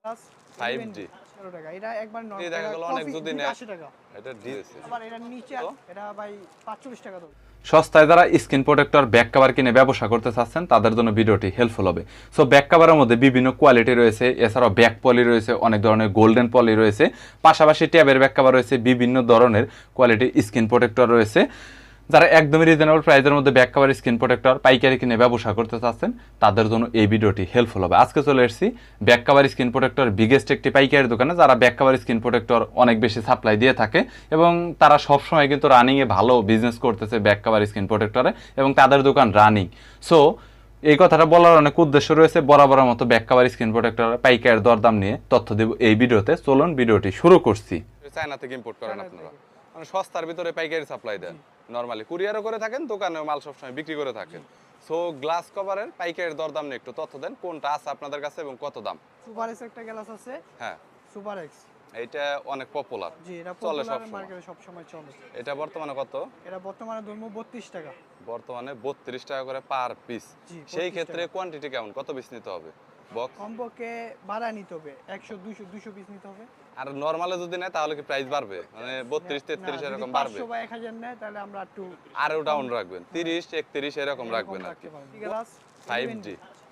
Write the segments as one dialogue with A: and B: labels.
A: Plus
B: 5G
A: 11 টাকা। এটা একবার
B: এই দেখা গেল অনেক যদি নেয়
A: 80 টাকা।
B: এটা দিয়েছে
A: আবার এটা নিচে এটা ভাই 45 টাকা দাও।
C: সস্তায় যারা স্ক্রিন প্রোটেক্টর ব্যাক কভার কিনে ব্যবসা করতে চাচ্ছেন তাদের জন্য ভিডিওটি হেল্পফুল হবে। সো ব্যাক কভারের মধ্যে বিভিন্ন কোয়ালিটি রয়েছে, এছাড়াও ব্যাক পলি রয়েছে, অনেক ধরনের গোল্ডেন পলি রয়েছে, পাশাপাশি ট্যাবের ব্যাক কভার রয়েছে, বিভিন্ন ধরনের কোয়ালিটি স্ক্রিন প্রোটেক্টর রয়েছে। যারা একদমই রিজনেবল প্রাইসের মধ্যে ব্যাক কভার স্ক্রিন প্রোটেক্টর পাইকারি কিনে ব্যবসা করতে চাচ্ছেন তাদের জন্য এই ভিডিওটি হেল্পফুল হবে। আজকে চলে এসেছি back cover screen protector biggest একটি পাইকারি দোকানে, যারা ব্যাক কভার স্ক্রিন প্রোটেক্টর অনেক বেশি সাপ্লাই দিয়ে থাকে এবং তারা সবসময় কিন্তু রানিংয়ে ভালো বিজনেস করতেছে ব্যাক কভার স্ক্রিন প্রোটেক্টরে এবং তাদের দোকান রানিং। সো এই কথাটা বলার অনেক উদ্দেশ্য রয়েছে। বরাবরের মতো ব্যাক কভার স্ক্রিন প্রোটেক্টর পাইকারি দরদাম নিয়ে তথ্য দেব এই ভিডিওতে। চলুন ভিডিওটি শুরু করছি।
B: চায়না থেকে ইম্পোর্ট করেন আপনারা, মানে সস্তার ভিতরে পাইকারি সাপ্লাই দেন। নরমালি কুরিয়ারও করে থাকেন, দোকানে মাল সবসময় বিক্রি করে থাকেন। সো গ্লাস কভারের পাইকারি দরদাম নিয়ে একটু তথ্য দেন, কোনটা আছে আপনাদের কাছে এবং কত দাম?
A: সুপার এক্স একটা গ্লাস আছে।
B: হ্যাঁ,
A: সুপার এক্স
B: এইটা অনেক পপুলার।
A: জি, এটা
B: চলে
A: পপুলার
B: সব
A: মার্কেটে সব সময় চলে।
B: এটা বর্তমানে কত?
A: এটা বর্তমানে ধরমু 32 টাকা।
B: বর্তমানে 32 টাকা করে পার পিস।
A: জি,
B: সেই
A: 32
B: ক্ষেত্রে
A: টাকা।
B: কোয়ান্টিটি কেমন, কত পিস নিতে হবে বক্স?
A: কমপক্ষে বাড়া নিতে হবে 100 200 পিস নিতে হবে।
B: আর নরমালে যদি নেয় তাহলে কি প্রাইস বাড়বে, মানে 32 33 এরকম বাড়বে?
A: 500 বা 1000 নেয় তাহলে আমরা একটু
B: আরও ডাউন রাখবেন, 30 31 এরকম রাখবেন আর কি।
A: গ্লাস
B: 5G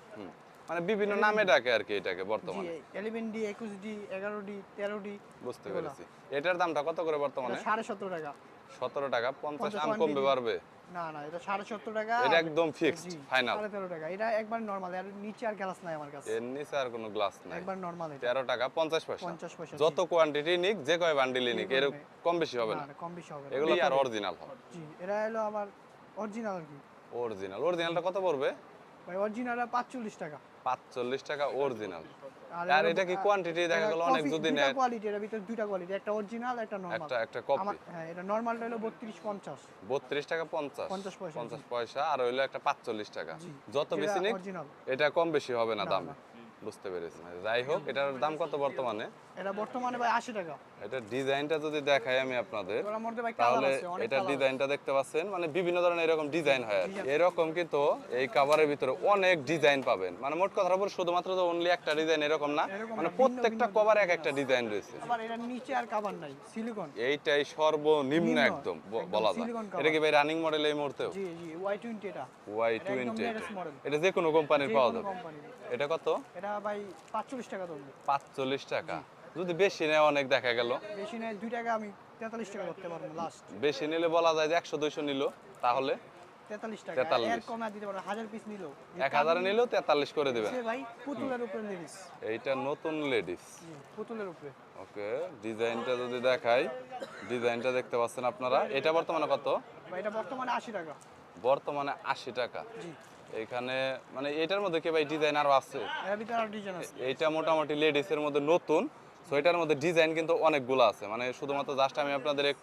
B: মানে বিভিন্ন নামে ডাকে আর কি এটাকে
A: জি,
B: বর্তমানে।
A: 11D 21D 11D 13D
B: বুঝতে পেরেছি। এটার দামটা কত করে বর্তমানে?
A: 17.5 টাকা।
B: 17 টাকা। 50 আম
A: quantity।
B: কমবে বাড়বে?
A: না না, এটা 17.5 টাকা।
B: এটা একদম ফিক্সড ফাইনাল।
A: 13.5 টাকা। এটা একবার নরমাল, আর নিচে আর গ্লাস নাই আমার কাছে।
B: এর নিচে আর কোনো গ্লাস নাই।
A: একবার নরমাল এটা
B: 13 টাকা 50 পয়সা।
A: 50 পয়সা।
B: যত কোয়ান্টিটি নিক, যে কয় বান্ডিলই নিক, এর কম বেশি হবে না।
A: না, কম বেশি হবে না।
B: এগুলো আর অরিজিনাল হবে।
A: জি, এটা হলো আবার অরিজিনাল আর কি।
B: অরিজিনালটা কত পড়বে?
A: ভাই অরিজিনালটা 45 টাকা।
B: 45 টাকা অরিজিনাল। আর
A: এর
B: এটা কি কোয়ান্টিটি দেখা গেল অনেক যদি নেয়?
A: কোয়ালিটি, এর ভিতর দুইটা কোয়ালিটি, একটা অরিজিনাল একটা নরমাল।
B: একটা কপি।
A: হ্যাঁ, এটা নরমালটা হলো 32 50।
B: 32 টাকা 50
A: 50 পয়সা।
B: 50 পয়সা। আর হইলো একটা 45 টাকা।
A: জি,
B: যত বেশি নিক
A: অরিজিনাল।
B: এটা কম বেশি হবে না
A: না,
B: দামে। বুঝতে পেরেছি। যাই হোক, এটার দাম কত বর্তমানে?
A: এটা বর্তমানে ভাই 80 টাকা।
B: এটা ডিজাইনটা যদি দেখাই আমি আপনাদের,
A: এটার মধ্যে ভাই কালার
B: তাহলে
A: আছে, অনেক
B: এটা
A: কালার আছে।
B: ডিজাইনটা দেখতে পাচ্ছেন, মানে বিভিন্ন ধরনের এরকম ডিজাইন হয় আর কি। এরকম কিন্তু এই কভারের ভিতরে অনেক ডিজাইন পাবেন, মানে মোট কথা বলে শুধুমাত্র যে অনলি একটা ডিজাইন এরকম না,
A: এরকম
B: মানে
A: না,
B: প্রত্যেকটা
A: ভিন্ন
B: কভারে এক একটা ডিজাইন রয়েছে।
A: আবার এটার নিচে আর কভার নাই, সিলিকন।
B: এইটাই সর্বনিম্ন
A: নিম্ন,
B: একদম
A: একদম
B: বলা যায়।
A: silicone cover।
B: এটা কি ভাই রানিং মডেল এই মুহূর্তেও?
A: জি জি, Y20 এটা।
B: Y20
A: একদম latest model।
B: এটা যে কোনো কোম্পানির পাওয়া যাবে।
A: কোম্পানি।
B: এটা কত?
A: এটা ভাই 45 টাকা দাম।
B: 45 টাকা। যদি বেশি নেয় অনেক দেখা গেল,
A: বেশি নেই 2 টাকা, আমি 43 টাকা করতে পারবো লাস্ট।
B: বেশি নিলে বলা যায় যে 100 200 নিল তাহলে
A: 43 টাকা।
B: 43
A: এর কমে দিতে পারবো, 1000 পিস নিলো।
B: 1000 নিলেও 43 করে দিবেন।
A: সে ভাই পুতুলের উপরে লেডিস।
B: এইটা নতুন লেডিস।
A: জি, পুতুলের উপরে।
B: ওকে, ডিজাইনটা যদি দেখাই, ডিজাইনটা দেখতে পাচ্ছেন আপনারা। এটা বর্তমানে কত?
A: ভাই এটা বর্তমানে 80 টাকা।
B: বর্তমানে 80 টাকা।
A: জি,
B: এইখানে মানে এটার মধ্যে কি ভাই ডিজাইন আরো আছে?
A: এর ভিতরে আর ডিজাইন আছে।
B: এইটা মোটামুটি লেডিসের মধ্যে নতুন। সো এটার মধ্যে ডিজাইন কিন্তু অনেকগুলো আছে, মানে শুধুমাত্র জাস্ট আমি আপনাদের একটু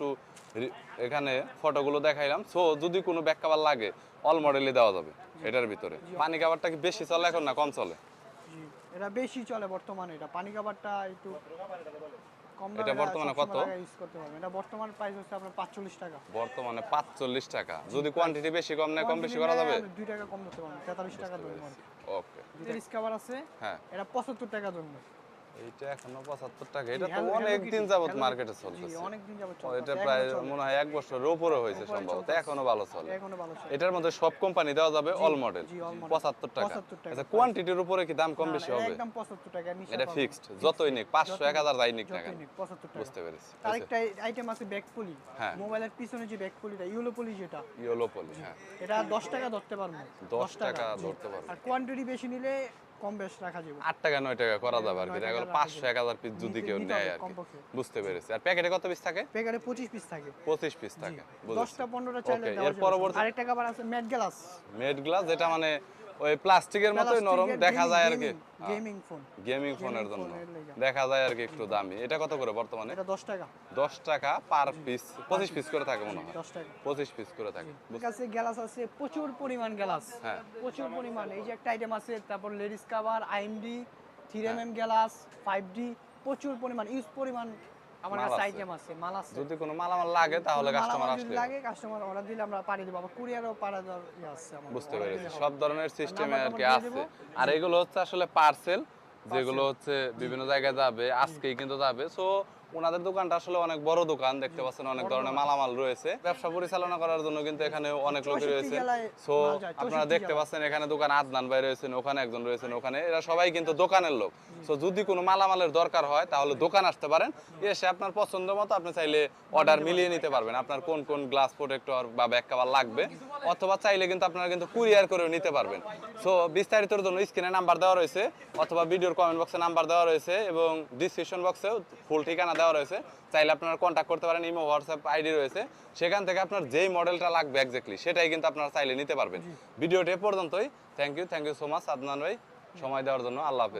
B: এখানে ফটোগুলো দেখাইলাম। সো যদি কোনো ব্যাক কভার লাগে অল মডেলই দেওয়া যাবে এটার ভিতরে। পানি কভারটা কি বেশি চলে এখন না কম চলে?
A: জি, এটা বেশি চলে বর্তমানে। এটা পানি কভারটা একটু কম দামে।
B: এটা বর্তমানে কত?
A: ইউজ করতে পারবেন। এটা বর্তমান প্রাইস হচ্ছে আপনার 45 টাকা।
B: বর্তমানে 45 টাকা। যদি কোয়ান্টিটি বেশি কম নেয় কম বেশি করা যাবে?
A: 2 টাকা কম করতে পারবেন, 43 টাকা ধরুন।
B: ওকে,
A: লেডিস কভার আছে।
B: হ্যাঁ,
A: এটা 75 টাকা ধরুন।
B: এইটা এখনো 75 টাকা। এটা তো
A: Hello
B: অনেক
A: Kitty,
B: দিন যাবত
A: Hello
B: মার্কেটে
A: Kitty।
B: চলতেছে।
A: জি, অনেক দিন যাবত
B: ও,
A: চলতেছে।
B: এটা প্রায় মনে হয় 1 বছরের উপরে হয়েছে
A: উপরে
B: সম্ভবত,
A: চলতেছে।
B: এখনো ভালো চলে।
A: এখনো ভালো চলে।
B: এটার মধ্যে সব কোম্পানি দেওয়া যাবে অল মডেল।
A: জি, all model।
B: 75 টাকা।
A: 75 টাকা
B: আচ্ছা,
A: price।
B: কোয়ান্টিটির উপরে কি দাম কম
A: না,
B: বেশি
A: না,
B: হবে?
A: একদম 75 টাকা নিচে
B: এটা
A: পাবেন।
B: ফিক্সড, যতই নিক 500 1000 যাই নিক না
A: যতই
B: কেন।
A: নিক, 75 টাকা।
B: বুঝতে পেরেছি।
A: আরেকটা আইটেম আছে ব্যাক পলি।
B: হ্যাঁ।
A: মোবাইলের পিছনে যে ব্যাক পলিটা, ইউলো পলি যেটা,
B: ইয়েলো পলি, হ্যাঁ,
A: এটা 10 টাকা ধরতে পারবো।
B: 10 টাকা
A: জি।
B: ধরতে পারবো।
A: আর কোয়ান্টিটি বেশি নিলে কম বেশ রাখা যাবে।
B: 8 টাকা 9 টাকা করা যাবে আর কি।
A: 9
B: দেখা গেল
A: টাকা
B: 500 1000 পিস যদি কেউ
A: নিতে
B: নেয়
A: হবে
B: আর কি।
A: কমপক্ষে।
B: বুঝতে পেরেছি। আর প্যাকেটে কত পিস থাকে?
A: প্যাকেটে 25 পিস থাকে।
B: 25 পিস থাকে। বুঝেছি।
A: 10টা 15টা চাইলে
B: ওকে,
A: দেওয়া
B: এর
A: যাবে।
B: পরবর্তী
A: আরেকটা কভার আছে ম্যাট গ্লাস।
B: মেড গ্লাস, যেটা মানে ওই প্লাস্টিকের মতোই নরম, দেখা যায় আর কি।
A: Gaming phone.
B: গেমিং ফোনের জন্য
A: ফোনের লেগা।
B: দেখা যায় আর কি একটু দামি। এটা কত করে বর্তমানে?
A: এটা 10 টাকা।
B: 10 টাকা পার পিস। 25 পিস করে থাকে মনে হয়।
A: 10 টাকা।
B: 25 পিস করে থাকে।
A: ঠিক আছে, গ্লাস আছে প্রচুর পরিমাণ গ্লাস।
B: হ্যাঁ।
A: প্রচুর পরিমাণ। এই যে একটা আইটেম আছে, তারপর ladies cover, IMD, 3mm glass, 5D, প্রচুর পরিমাণ ইউজ পরিমাণ আমার
B: মাল
A: কাছে
B: আছে।
A: আইটেম আছে, মাল আছে।
B: যদি কোনো মালামাল লাগে তাহলে কাস্টমার
A: মালামাল যদি
B: আসলে
A: লাগে কাস্টমার অর্ডার দিলে আমরা পাঠিয়ে দেব। আবার কুরিয়ারও পাঠিয়ে দেওয়ার আছে আমাদের।
B: বুঝতে
A: order
B: পেরেছি।
A: দিলে হবে।
B: সব ধরনের সিস্টেমে আর কি
A: নাম্বার
B: আছে।
A: দিয়ে
B: আর এগুলো হচ্ছে আসলে পার্সেল, যেগুলো হচ্ছে বিভিন্ন জায়গায় যাবে, আজকেই কিন্তু যাবে। সো ওনাদের দোকানটা আসলে অনেক বড় দোকান, দেখতে পাচ্ছেন অনেক ধরনের মালামাল রয়েছে। ব্যবসা পরিচালনা করার জন্য কিন্তু এখানে অনেক লোক
A: 64
B: রয়েছে।
A: জেলায়
B: সো
A: মাল যায়,
B: আপনারা
A: 64
B: দেখতে
A: জেলায়।
B: পাচ্ছেন এখানে দোকান আদনান ভাই রয়েছেন, ওখানে একজন রয়েছেন, ওখানে এরা সবাই কিন্তু দোকানের লোক। সো যদি কোনো মালামালের দরকার হয় তাহলে দোকান আসতে পারেন, এসে আপনার পছন্দ মতো আপনি চাইলে অর্ডার মিলিয়ে নিতে পারবেন আপনার কোন কোন গ্লাস প্রোটেক্টর বা ব্যাক কভার লাগবে, অথবা চাইলে কিন্তু আপনারা কিন্তু কুরিয়ার করেও নিতে পারবেন। সো বিস্তারিতর জন্য স্ক্রিনে নাম্বার দেওয়া রয়েছে, অথবা ভিডিওর কমেন্ট বক্সে নাম্বার দেওয়া রয়েছে, এবং ডিসক্রিপশন বক্সেও ফুল ঠিকানা দেওয়া রয়েছে। চাইলে আপনারা কন্ট্যাক্ট করতে পারেন, ইমো হোয়াটসঅ্যাপ আইডি রয়েছে, সেখান থেকে আপনার যেই মডেলটা লাগবে এক্স্যাক্টলি সেটাই কিন্তু আপনারা চাইলে নিতে পারবেন। ভিডিওটি এ পর্যন্তই। Thank you so much Adnan ভাই সময় দেওয়ার জন্য। আল্লাহ হাফেজ।